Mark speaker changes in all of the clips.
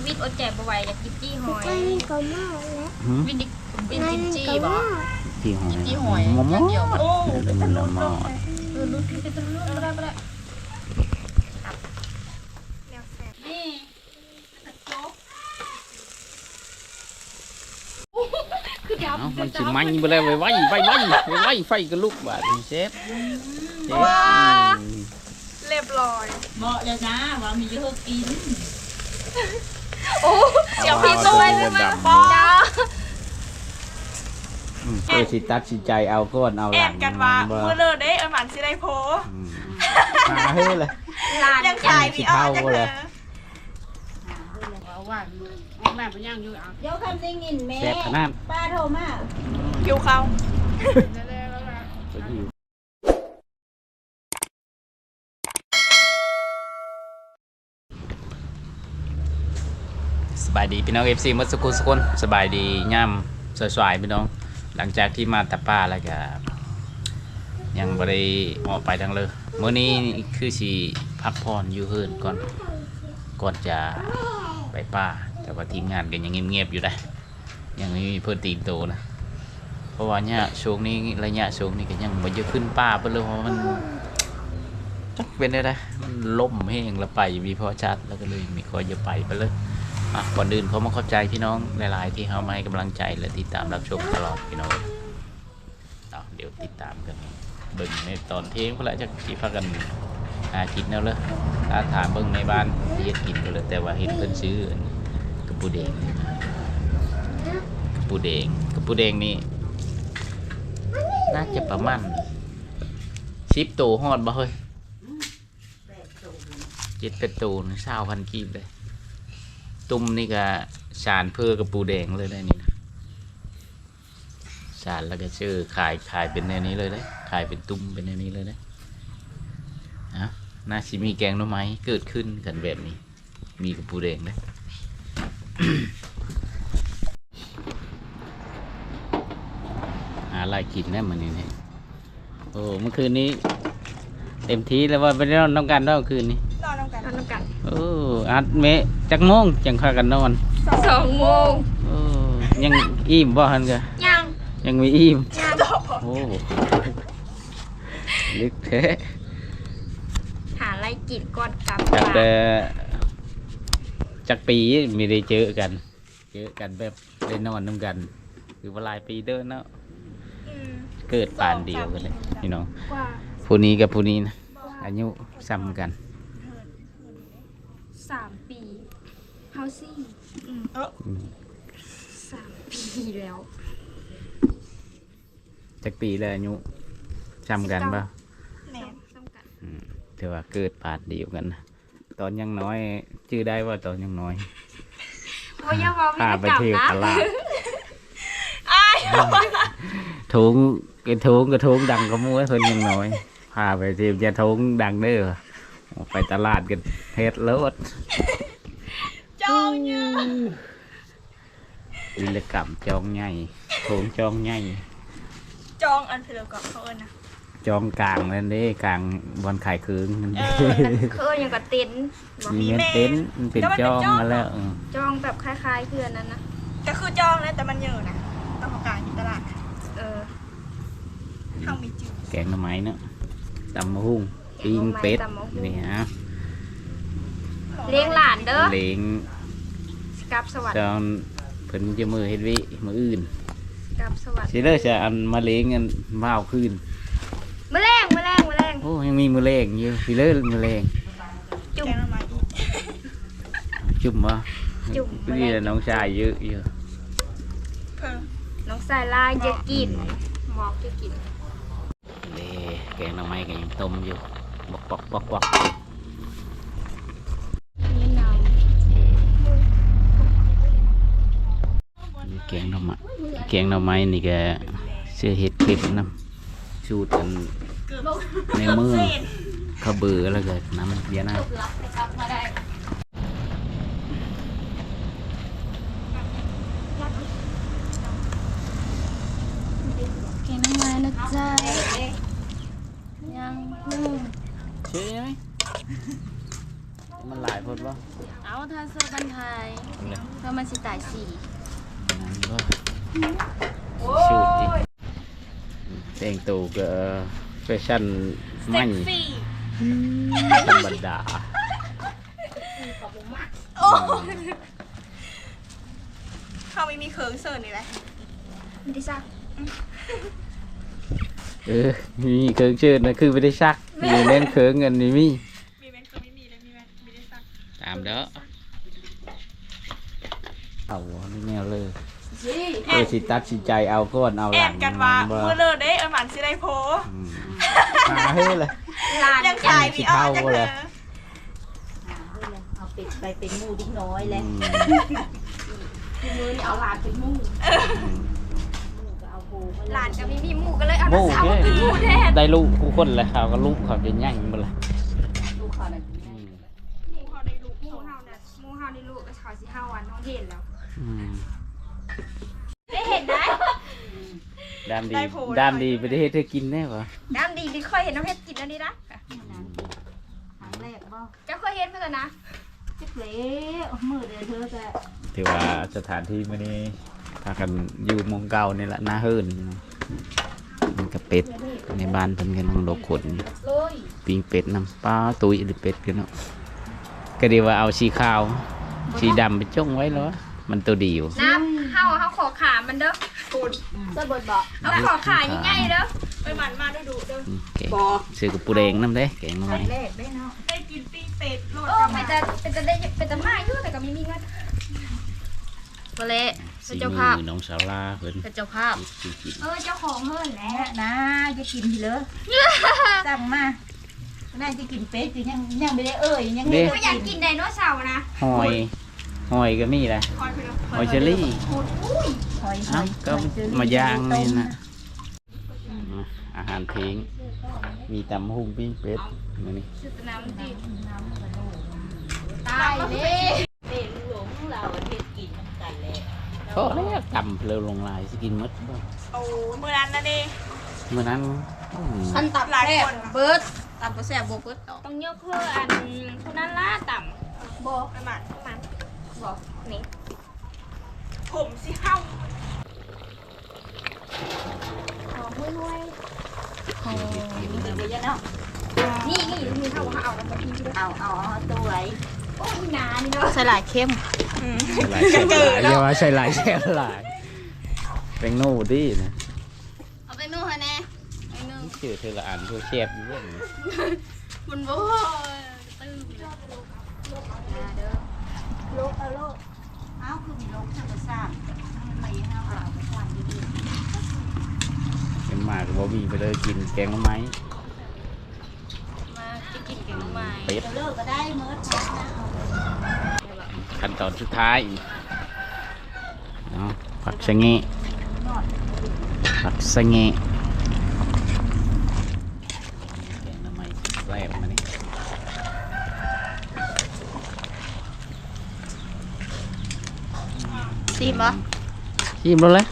Speaker 1: วิทย์อดใจบ่ไหวอยากกินจี้หอยวินดิวินกินจี้บ่
Speaker 2: จี้หอย
Speaker 1: จี้หอย
Speaker 2: มอม
Speaker 1: เกี่ยวโอ้
Speaker 2: เป็นมันมอ
Speaker 1: ลุ้นเป็นตะลุ้นบ่ได้นี่คือดำ
Speaker 2: มันสิมันไปเลยไว้ไฟก็ลุกบาดเชฟ
Speaker 3: เรียบร้อย
Speaker 1: เหมาะเลยนะว่ามีเยอะกิน
Speaker 3: โอ้เดี๋ยวพี่ตัวจะมาป้อ
Speaker 2: เออสิตัดสิใจเอาก้อนเอาห
Speaker 3: แอ
Speaker 2: ลั
Speaker 3: บ
Speaker 2: ง
Speaker 3: กันว่าเมื่อเลิกได้หมันสิได้โพ
Speaker 2: หาเฮ้ยเลย
Speaker 1: ลาน
Speaker 3: ยังขายพี่อ้อจังเลย
Speaker 4: เดี๋ยวคำได้ยินแม่
Speaker 2: แซ่บขนาด
Speaker 4: ป้าโทรมา
Speaker 3: คิวเขา
Speaker 2: สบายดีพี่น้อง FC มัสกุลสกุลสบายดีย่ำสวยๆพี่น้องหลังจากที่มาตะป้าแล้วก็ยังบ่ได้ออกไปทางเลยมื้อนี้คือสิพักผ่อนอยู่เฮือนก่อนจะไปป่าแต่ว่าทีมงานก็ยังเงียบๆอยู่ได้ยังไม่มีเพิ่นตีนโตนะเพราะว่าเนี่ยช่วงนี้ระยะช่วงนี้ก็ยังบ่จะขึ้นป่าเพิ่นเลยเพราะมันจักเป็นได้มันล่มแห้งแล้วไปมีพอชัดแล้วก็เลยมีคอยจะไปเลยก่อนอื่นเขามาขอบใจพี่น้องหลายๆที่เขามาให้กำลังใจและติดตามรับชมตลอดพี่น้องเดี๋ยวติดตามกันเบิ่งในตอนเที่ยงเพื่อจะที่พากันหากินแล้วเลยถ้าถามเบิ่งในบ้านที่จะกินก็เลยแต่ว่าเห็นเพิ่นซื้อกระปูแดงนี่น่าจะประมาณ10 ตัวฮอดบ่เฮ้ย7-8 ตัว20,000 กีบเลยตุ้มนี่ก็สารเพื่อกระปูแดงเลยได้นี่นะสารแล้วก็ชื่อขายเป็นแนวนี้เลยได้ขายเป็นตุ้มเป็นแนวนี้เลยได้นะน่าสิมีแกงหน่อไม้เกิดขึ้นกันแบบนี้มีกระปูแดงได้ หาอะไรกินได้เหมือนนี้เนี่ยโอ้เมื่อคืนนี้เต็มที่แล้วว่าไปนอนน้ำกันได้เมื่อคืนนี้
Speaker 3: นอนน้ำกัน
Speaker 2: โอ้อัดเมะจักโมงจังพากันนอน
Speaker 3: 2 โมง
Speaker 2: โอ้ยังอิ่มบ่ฮันกะ ยังมีอิ่มโอ้ลึกแท้
Speaker 1: หาอะไรกินก่อนกลับ
Speaker 2: จากแต่จากปีไม่ได้เจอกันแบบได้นอนน้ำกันคือว่าหลายปีเด้อเนาะเกิดปานเดียวกันเลยพี่น้องผู้นี้กับผู้นี้นะอายุซ้ำกัน
Speaker 1: 3 ปีเฮาซี่3 ปีแล้ว
Speaker 2: จากปีแล้วอายุซ้ำกันป่ะ
Speaker 3: แหน
Speaker 2: ถือว่าเกิดปานเดียวกันนะตอนยังน้อยชื่อได้ว่าตอนยังน้อย
Speaker 1: บ่อย่าเว้า
Speaker 2: พาไป
Speaker 1: ไม่
Speaker 2: เที่ยว
Speaker 1: ได้
Speaker 2: ตลาด
Speaker 3: อ้าย
Speaker 2: ถุงกระถุงดังก็มัวคนยังน้อยพาไปเที่ยวจะถุงดังเด้อไปตลาดกันเฮ็ดรถ
Speaker 3: จองเนี่ย
Speaker 2: วิรกรรมจองใหญ่ถุงจองใหญ่
Speaker 3: จองอันเถื่อนก่อนเขาเอิญนะ
Speaker 2: จองกลางนั่นเด้กลางบอนขายคืนนั่นเด้
Speaker 1: คือยังก็เต็นท์บ่
Speaker 2: มีเงินเต็นท์มันเป็นจองมาแล้ว
Speaker 1: จองแบบคล้ายๆเพื่อนนั้นนะ
Speaker 3: ก็คือจองนะแต่มันเยอะนะต้องของกลางอยู่ตลาด
Speaker 1: เออ
Speaker 3: ข้าวมีจืด
Speaker 2: แกงหน่อไม้เนาะตำมะฮุ่งปิ้งเป็ดนี่ฮะ
Speaker 1: เลี้ยงหลานเด้อ
Speaker 2: เล้ง
Speaker 1: กลับสวัสดิ์
Speaker 2: จอนเพิ่นจะมือเฮ็ดวิมืออื่น
Speaker 1: กลับสวัสดิ์
Speaker 2: สิเด้อจะอันมาเล้งกันมาเอาคืน
Speaker 1: แมลง
Speaker 2: โอ้ยังมีมือเล้งอยู่สิเด้อมือเล้ง
Speaker 3: แกงละไม้อีก
Speaker 2: จุ่มบ่
Speaker 1: จุ่ม
Speaker 2: นี่แหละน้องชายเยอะอยู่
Speaker 3: เพิ่ม
Speaker 1: น้องสายลายจะกินหมอกจะกิน
Speaker 2: เด้แกงหน่อไม้ก็ยังต้มอยู่บอก
Speaker 1: นี่น้
Speaker 2: แกงหน่อไม้นี่ก็เสื้อเฮ็ดคลิปน้ำสูตรกัน
Speaker 3: เกือบ
Speaker 2: ในมือเขาเบื่อแล้วก็น้ำเบียร์น้ำ
Speaker 1: ำแกงน้ำมันนะจ๊ะยัง
Speaker 2: ใช่ไหมมันหลายคนวะ
Speaker 1: เอาถ้าเสื้อบันไทยถ้ามันสิตายสี่
Speaker 2: สูตรดิแต่งตัวก็แฟชั่นมันธรรมดา
Speaker 3: เขาไม่มีเคิร์งเสิร์ฟนี่แหละไม่ได้ซัก
Speaker 2: มีเครื่องเชิญนะคือไม่ได้ซักมีเล่นเครื่องเงินนี่มี
Speaker 3: มีแมนคือไม่มีเลยมีแมนไม่ได้ซัก
Speaker 2: ตามเด้อเอาไม่แนวเลยสิตัดสินใจเอาก่อนเอาห
Speaker 3: แอ
Speaker 2: ลั
Speaker 3: น
Speaker 2: ง
Speaker 3: กันว่าเมื่อเลิกได้หมันสิได้โพ
Speaker 2: มาเฮ้ยเลย
Speaker 3: ยังขายมีออจังเลย
Speaker 4: เอาเป็ดไปเป็นหมูดิ้งน้อยแล้ว
Speaker 1: มือนี่เอาหลานเป็นหมู่
Speaker 4: ก็เอาโพมา
Speaker 1: หลานกับมีหมู่ก็เลยเอา
Speaker 2: หมู
Speaker 1: น้าสาวมาเป็นหมู่แทน
Speaker 2: ได้ลูกกูคนเลยเขาก็ลูกเขาจะย่างหมดเลย
Speaker 4: ลูกเขานั่น
Speaker 1: หมู่เขาได้ลูกหมู่เฮาเนี่ยหมู่เฮาได้ลูกก็เขาสิเฮาวันท้องเห็นแล้วได้เห็นได้
Speaker 2: ดามดีไปได้เฮ็ดเธอกินแน่ปะ
Speaker 1: น้ำดีที่ค่อยเห็นน้ำเพชรกินอันนี้นะ
Speaker 4: ครั้งแรกบ่
Speaker 1: จะค่อยเห็นเพื่อนนะ
Speaker 4: จิ๊บเละมือเดียวเธอจะ
Speaker 2: ถือว่าสถานที่มื้อนี้พากันอยู่หมองเก่านี่แหละหน้าเฮิรนมันก็เป็ดในบ้านเพิ่นก็นั่งดกขน
Speaker 4: เลย
Speaker 2: ปิ้งเป็ดน้ำปลาตุยหรือเป็ดกันเนาะก็ดีว่าเอาสีขาวสีดำไปจ้องไว้แล้วมันตัวเดียว
Speaker 1: น้ำเฮาขอขามันเด้อ
Speaker 4: สะบดบ่
Speaker 1: เอาขอขาง่ายๆเด้อ
Speaker 3: ไปหมันมาดูเด้อ
Speaker 2: แกงซื้อกับปูแดงน้ำเด้แกงหน่อย
Speaker 4: แรกได้เนาะ
Speaker 3: ได้กินปิ้งเป็ดโลด
Speaker 1: โอ้
Speaker 3: กัน
Speaker 1: มั
Speaker 3: มาน
Speaker 1: จะได้เป็นจะมาอยู่แต่ก็มีเงินก็เละ
Speaker 2: สี
Speaker 1: เจ้า
Speaker 2: มื
Speaker 1: ภาพ
Speaker 2: อน้องสาวลาเพิ่น
Speaker 1: เป็นเจ้าภาพเจ้าของเฮิรนแหละ
Speaker 4: นะจะกินทีเลยสั่งมาน่าจะกินเป็ดคือยังไม่ได้ยังไม่
Speaker 1: ก็
Speaker 4: ได้
Speaker 1: อยากกินไดโนเสาร์นะ
Speaker 2: หอยก็มีแหละ
Speaker 3: คอยไปเลย
Speaker 2: หอยเชอรี่
Speaker 4: หอย
Speaker 2: เอ้าก็มาย่างนี่นะอาหารทิ้งมีตำหุ่งปิ้งเป็ดมื้อนี้
Speaker 1: ชุดน้ำดิตายเลย
Speaker 4: เป็นหลวงเราเฮ็ดกินน้ำกันแล้ว
Speaker 2: พอแล้วตำเพลิวลงลายสิกินหมดบ่
Speaker 3: โอ้เมื่อนั้นนะดิ
Speaker 2: เมื่อนั้น
Speaker 1: อันตับ
Speaker 3: หลาย
Speaker 1: แซ่
Speaker 3: ค
Speaker 1: บ
Speaker 3: น
Speaker 1: เบิร์ดตับก็แซ่บบ่เบิร์ดต้องยกเพื่ออันผู้นั้นล่าต่ำบ่
Speaker 3: ไปหมัน
Speaker 1: บอกนี่
Speaker 3: ผมสิเฮ้า
Speaker 1: หอมห้วย
Speaker 4: กินไปเยอะเนาะ
Speaker 1: ๆนี่มีเท่าว่าเอาแล้วก็พี่ด้วย
Speaker 4: เอาตัวไว้
Speaker 1: โอ้ยนานี่เนาะ
Speaker 4: ใส่หลายเข้ม
Speaker 2: ใช่หลายแช่หลายอย่าว่าใช่หลายแช่หลายเป็นโน่ดินะ
Speaker 1: เอาไปนู่นฮะแน่ไปนู่น
Speaker 2: ชื่อเธอละอันเธอแชบอยู่เรื่อง
Speaker 1: มันบ่ตื้มเด้อ
Speaker 4: โลกเอาคือมีโลกธรรมชาติไม่เอาไปทำดี
Speaker 2: เป็นหมากบ่มีไปเลยกินแกงหน่อไม้
Speaker 1: มาจะกินแกงหน่อไม้
Speaker 2: เป็ด
Speaker 4: ๆเลิกก็ได้เมื่อชักนะ
Speaker 2: ขั้นตอนสุดท้ายเนาะผักสะเงะผักสะเงะแกงหน่อไม้แซ่บมานี่
Speaker 1: ซีมบ่
Speaker 2: ชิมแล้วเลย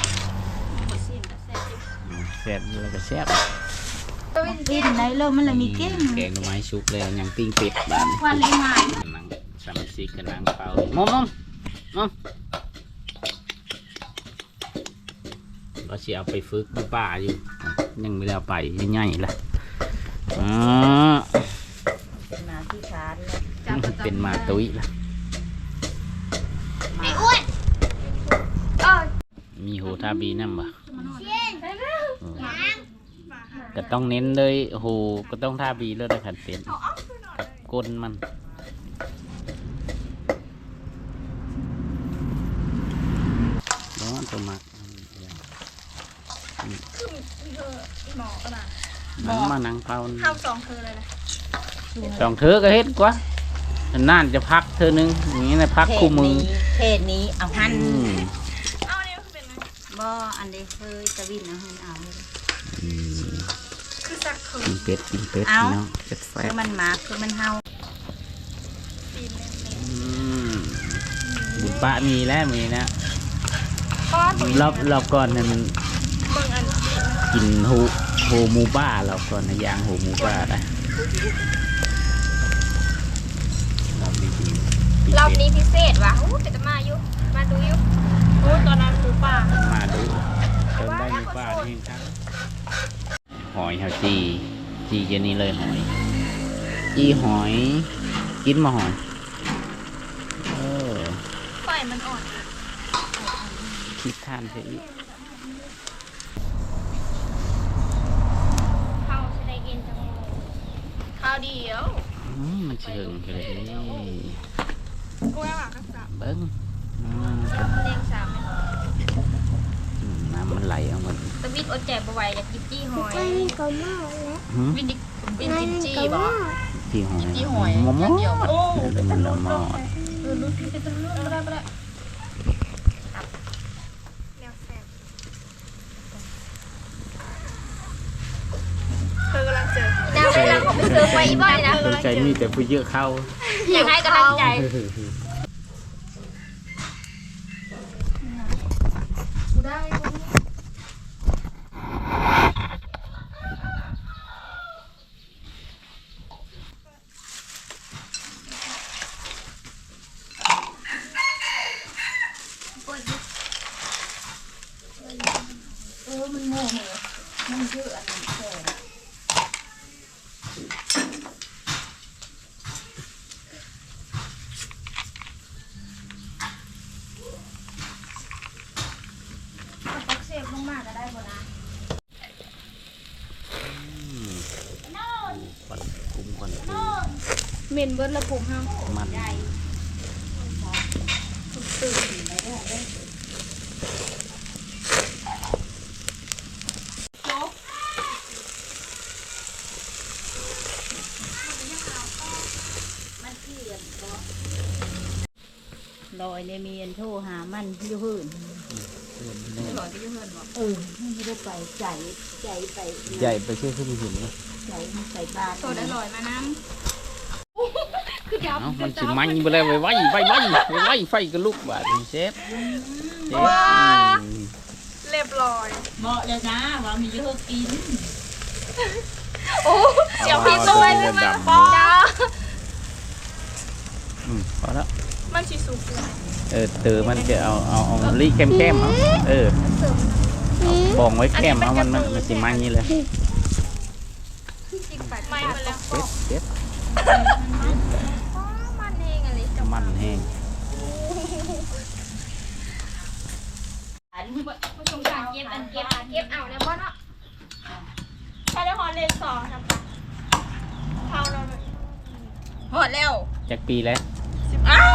Speaker 2: แซ่บแล้วก็แซ่บ
Speaker 4: ปิ้งได้เลยมันเลยมีเก้ง
Speaker 2: แกงหน่อไม้ชุกแล้วยังปิ้งเป็ดบ้าน
Speaker 4: วันเลยมา
Speaker 2: นังสามสิกกับนางเปล่ามอมเราสิเอาไปฝึกดูป่าอยู่ยังไม่ได้เอาไปง่ายๆละอ๋อ
Speaker 4: มาที่ชาร์จ
Speaker 2: เป็นหมาตุ้ยละ
Speaker 1: ไอ้อ้วนเออ
Speaker 2: มีโหทาบีนั่นบ่
Speaker 1: ไปแล้ว
Speaker 2: ก็ต้องเน้นเลยโหก็ต้องทาบีเลยนะขันเป็นกับก้นมันร้อนตัวมัก
Speaker 3: หมอก็มา
Speaker 2: นังมานังเผา
Speaker 3: เฮ้าสองคือเลยนะ
Speaker 2: สองเธอก็เฮ็ดกว่าน่านจะพักเธอนึงอย่างนี้นะพักคู่มือ
Speaker 4: เทศนี้เอาหัน
Speaker 3: เอาเนี่ยเป็นไง
Speaker 4: บ่อันเดเคยตะวินเอาหันเอาเลย
Speaker 3: คือสักคือ
Speaker 2: กินเป็ดพี่น้องเป็ดแซ่
Speaker 4: คือบ มันมาคือมันเฮา
Speaker 3: ปีน
Speaker 2: บุญปะมีแล้วมีนะ
Speaker 3: ก้อน
Speaker 2: รอบก่อนนั้น
Speaker 3: เบิ่งอัน
Speaker 2: กินโหหมูบ้ารอบก่อนนะย่างโหหมูบ้าได้แห้งครับหอยเฮาจีเจนี่เลยหอยจีหอยกินมาหอย
Speaker 3: ไฟมันอ่อน
Speaker 2: คิดทานเสียอีก
Speaker 1: ข้าวจะได้กินจังเลย
Speaker 3: ข้าวเดียว
Speaker 2: มันเชิงเลยนี่
Speaker 3: กูไม่หวังกันสับ
Speaker 2: เบิ้ง
Speaker 1: เลี้ยงสามไหม
Speaker 2: น้ำมันไหลเอามัน
Speaker 1: ตะวิดอดแจกบ่ไหวอยากกินจี้หอย
Speaker 2: หืม
Speaker 1: วินดิวินกินจี้บ่
Speaker 2: ที่หอย
Speaker 1: จี้หอย
Speaker 2: มอม
Speaker 1: เกี่ยว
Speaker 3: โอ้
Speaker 2: เป็นมันละมอด
Speaker 1: ลุ้นจะลุ้นไม่ได้
Speaker 3: แนวแซ่บเธอกำลังเจอ
Speaker 1: ดาวเวลาเขาไปซื้อไปอีบ้านนะ
Speaker 2: สนใจมีแต่ผู้เยอะเข้า
Speaker 1: อยากให้กำลังใจกูได้
Speaker 4: มันโง่เหรอมันเยอะอันนี้แก่
Speaker 1: ตักเสียบลงมาก็ได้บ่นะ
Speaker 2: ก่อนคุมก่อน
Speaker 3: เมนเบิร์ดละผมห้าม
Speaker 2: มัน
Speaker 4: ลอยเลยมีอันโทรหามันอยู่หื่นมันไม่ได้ไปใจไป
Speaker 2: ใหญ่ไปเชื่อขึ้นหินเลย
Speaker 4: ใจมันใส่บาตร
Speaker 3: โซดอร่อยมาน้
Speaker 2: เอ้ามันสิมันไปเลยไว้ไฟก็ลุกบาดเชฟ
Speaker 3: ำเรียบร้อย
Speaker 4: เหมาะเลยนะว่ามีเยอะกิน
Speaker 3: โอ้เจียวพี่ตัวเลยมันปอ
Speaker 2: พอแล้ว
Speaker 3: มันชิสุกเลย
Speaker 2: เตอมันจะเอาลีแก้มเอาบองไว้แก้มเอามันสิมันนี่เลย
Speaker 3: ไม่มาแล้ว
Speaker 2: เด็ด
Speaker 3: มันเองอะไรจะ
Speaker 2: มันแห้ง
Speaker 1: ผู้ชมการเก็บเอาเนี่ยบ่เนาะ
Speaker 3: ใช้ได้ฮอนเลนสองทำปะเท่าเราเลยหอดแล้ว
Speaker 2: จากปีแล้ว
Speaker 3: อ้าว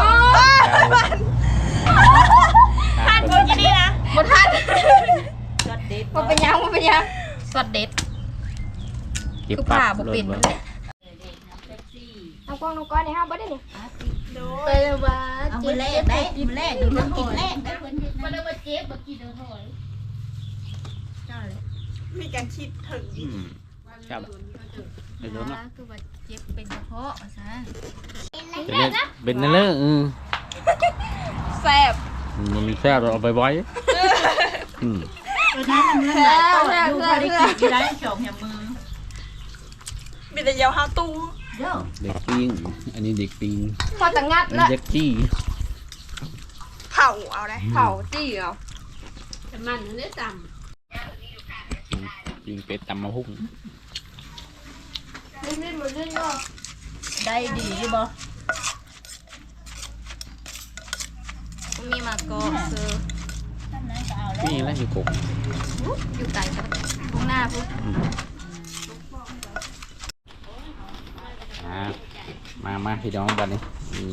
Speaker 3: ท่านพูดอย่างนี้นะ
Speaker 1: บ่ทัน
Speaker 4: รสเด็ด
Speaker 1: บ่เป็นยังสดเด็ด
Speaker 2: เก็บ
Speaker 1: คือ
Speaker 2: ปั
Speaker 1: ผ่า
Speaker 2: บ
Speaker 1: บ่
Speaker 2: ร
Speaker 1: เป็น
Speaker 2: ถ
Speaker 1: มันแหละเอากล้องน้องก้อนนี่เฮาบ่ได้นี่
Speaker 3: โด
Speaker 1: ไป
Speaker 3: ย
Speaker 1: เลยว่า
Speaker 4: เอามือแรกได้มือแรกดูน้ำกินแรกได้คนเห็น
Speaker 1: บ่ได้ว่าเจ็บบ่กินเด้อหอย
Speaker 3: มีการคิดถึง
Speaker 2: ครับเดี๋ยวนะ
Speaker 1: คือว่าเจ็บเป็นกระเพาะซะ
Speaker 2: เป็นนั่นเลย
Speaker 3: แซ่บ
Speaker 2: มันแซ่บเราเอาไปไว้อืม
Speaker 4: ตัวนั้นมันหลายตัวดูเขาได้กินกี่ได้สองแหมมือ
Speaker 3: มีแต่เยาวฮาตู
Speaker 4: เดี๋ยว
Speaker 2: เด็กปิ้งอันนี้เด็กปิ้ง
Speaker 1: พอตะงัด
Speaker 2: อัน
Speaker 1: ละ
Speaker 2: นี้เด็กจี้
Speaker 3: เผาเอาได้
Speaker 1: เผาจี้เอาแต่มันนั่นได้ต่ำ
Speaker 2: ปิ้งเป็ดตำมะฮุ่ง
Speaker 1: ลื่นๆบ่ลื่นเนาะ
Speaker 4: ได้ดีอยู่บ่
Speaker 3: มีมะกอกซื้อ
Speaker 4: ท่านนั้นก็เอาแล้ว
Speaker 2: นี่แล้วอยู่กบ
Speaker 1: อยู่ไกลครับพวกหน้าพวก
Speaker 2: มาพี่น้องบัดนี้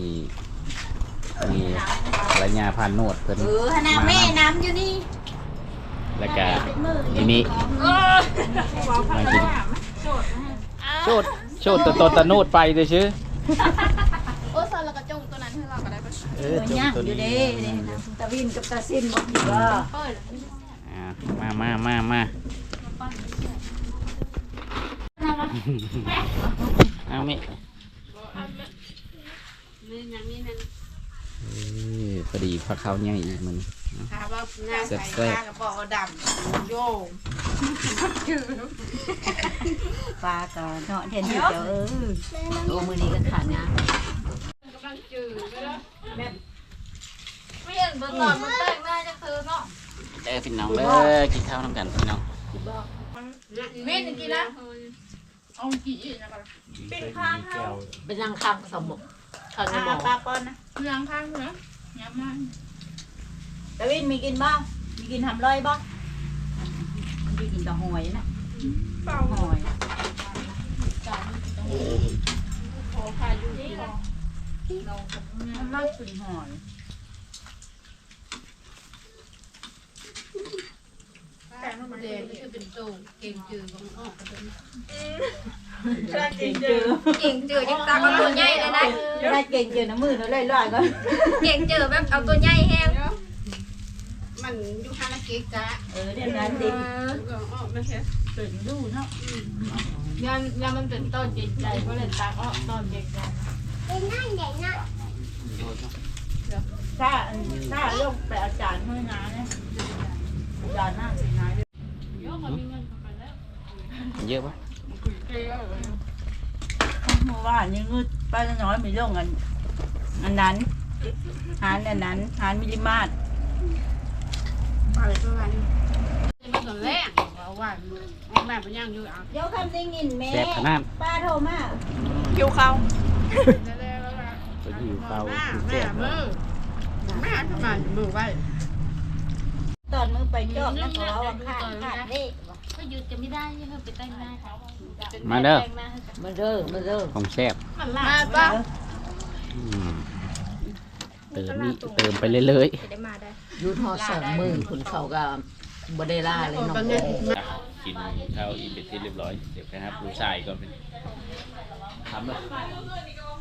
Speaker 2: นี่ระยะพันโนดเพิ่น
Speaker 4: ฮะนาแม่น้ำอยู่นี่
Speaker 2: แล้วก็อันนี้มากินโชดตะโนดไปเลยชื่อ
Speaker 3: โอ้ซาลากระจงตัวนั้นให้เราก็ได้ปะ
Speaker 4: ตัวย่างอยู่เด้ตะวินกับตะซินบ่ดีบ่
Speaker 2: มาเอาไหมพอดีพักเขาเนี่ยอีกมัน
Speaker 4: ค่ะว่าง่ายใส่ข้ากระป๋องดำโยงปลาก็เนาะเทนที่เจ้าโอ้มือนี้ก็ขาดนะ
Speaker 1: ไม่เห็นเบิ่งก่อนมันแต่งหน้าจังคือเนาะ
Speaker 2: พี่น้องเด้อกินข้าวน้ำกันพี่น้อง
Speaker 3: เว้นกินแล้วเอากี่อีกนะกัน
Speaker 2: เป็นข้างเขา
Speaker 5: เป็นยังข้างสมองข้างในหมอ
Speaker 4: ปลาปอนนะ
Speaker 3: เรื่องข้างเหรอย้ำมัน
Speaker 4: ดาวินมีกินบ้างมีกินทำร้อยบ้างมีกินแต่หอยนะ
Speaker 3: เปล่า
Speaker 4: หอย
Speaker 3: ขอพายุนี่
Speaker 4: มันมากสุดหอย
Speaker 3: แต่มันมา
Speaker 5: เด็
Speaker 3: เด็
Speaker 5: ก
Speaker 3: ก
Speaker 5: คือเป็นโตเก่งจืดของออกกัน
Speaker 4: เก่งเจอ
Speaker 1: เก่งเจอยังตาก็ตัวใหญ่เลยนะ
Speaker 4: ได้เก่งเจอน้ำมือเราเลยลอยก็
Speaker 1: เก่งเจอแบบเอาตัวใหญ่แห้ง
Speaker 5: มันอยู่ข้างเก๊กจ้า
Speaker 4: เดี๋ยวนั้นดิ
Speaker 5: ก็ออกมาแค่
Speaker 4: ตื่นดูเนาะ
Speaker 3: ยันมันเป็นต้นเก่งใจก็เลยตาก็ต้นเก่งใจ
Speaker 4: ถ้าลงไปอาจารย์ห้อยน้ำเนี่ยอาจารย์หน้าสีน้ำ
Speaker 3: เยอะกว่ามีเงินเข้าไปแล้ว
Speaker 2: เยอะปะ
Speaker 4: เมื่อวานยังงึดป้าน้อยมีเรื่องอันนั้นหารอันนั้นหารมิลลิมาตร
Speaker 3: อะไรประมาณนี้มันตอนแรกว่าออกแบบมันยังอยู่อ่ะ
Speaker 4: เดี๋ยวคำได้ยินแม่
Speaker 2: แซ่บขนาด
Speaker 4: ป้าโทรมา
Speaker 3: คิวเขา
Speaker 2: ไปอยู่เตา
Speaker 3: แม่
Speaker 2: คือ
Speaker 3: แม่
Speaker 2: แซ่บ
Speaker 3: มือแม่ทำไมมือไว้
Speaker 4: ตอนมือไปจอบนะเขาว่าขาดเด้
Speaker 1: ก็หยุดจะไม่ได้ยังไปแต่งหน้าเขา
Speaker 2: มาเด้อ
Speaker 5: มันเด้อ
Speaker 2: ของแซ่บ
Speaker 3: มันลาป่ะ
Speaker 2: อืมเติมไปเรื่อย
Speaker 1: จะได้มาได้
Speaker 5: ยูทอสองมือคุณเขาก็บไดล่าเลยน้อง
Speaker 2: ๆกินข้าวอิ่มเป็นที่เรียบร้อยเดี๋ยวไปครับลูกชายก็เป็นทำเลย